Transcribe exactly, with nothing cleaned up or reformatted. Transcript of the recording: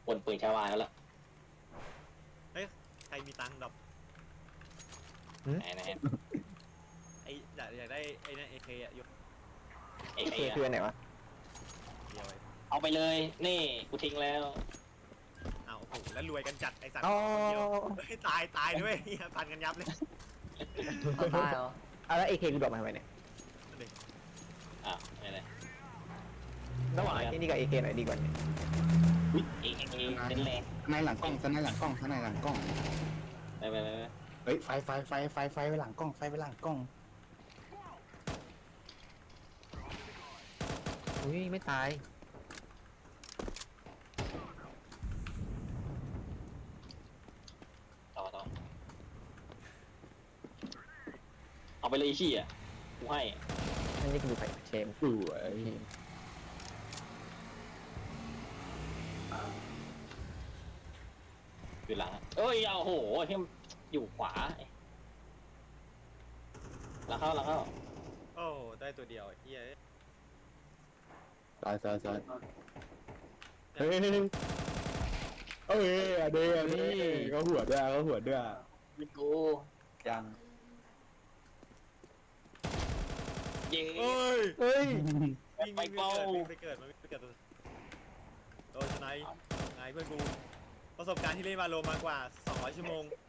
ปนปืนชาวาแล้วล่ะเฮ้ยใครมีตังค์ดอกไหนไหนไออยากอยากได้ไอ้นั่นเอเคอะยกเอเคเคคืออันไหนวะเดียวไอ้เอาไปเลยนี่กูทิ้งแล้วอ้าวโอ้โหแล้วรวยกันจัดไอสัตว์อ๋อเดียวเฮ้ยตายตายด้วยเหี้ยฟันกันยับเลยเอาตายเหรอเอาแล้วเอเคกูดรอปมาทำไมเนี่ยอ้าวไม่เลยระหว่างไอ้ที่นี่กับเอเคไหนดีกว่าเนี่ยเอเคเป็นแรงในหลังกล้องสในหลังกล้องสในหลังกล้องไปไปไปไปเฮ้ยไฟไฟไฟไฟไฟไว้หลังกล้องไฟไว้หลังกล้องอุ้ยไม่ตายต่อต่อเอาไปเลยขี้อ่ะกูให้นั่นนี่กูดูไฟเชมสวยอยู่หลังเอ้ยเอาโหที่อยู่ขวาแล้วเข้าแล้วเข้าโอ้ได้ตัวเดียวไอ้เฮียตายตายตายเฮ้ยเอ้ยอะเดอะนี่เขาหัวด้วยเขาหัวด้วยยิงกูยังยิงเอ้ยเฮ้ยวิ่งไปวิ่งเป้าวิ่งไปเกิดมันวิ่งไปเกิดตัวโดนสไนป์ไงเพื่อนกูประสบการณ์ที่เล่นมาโลมากว่าสองร้อยชั่วโมง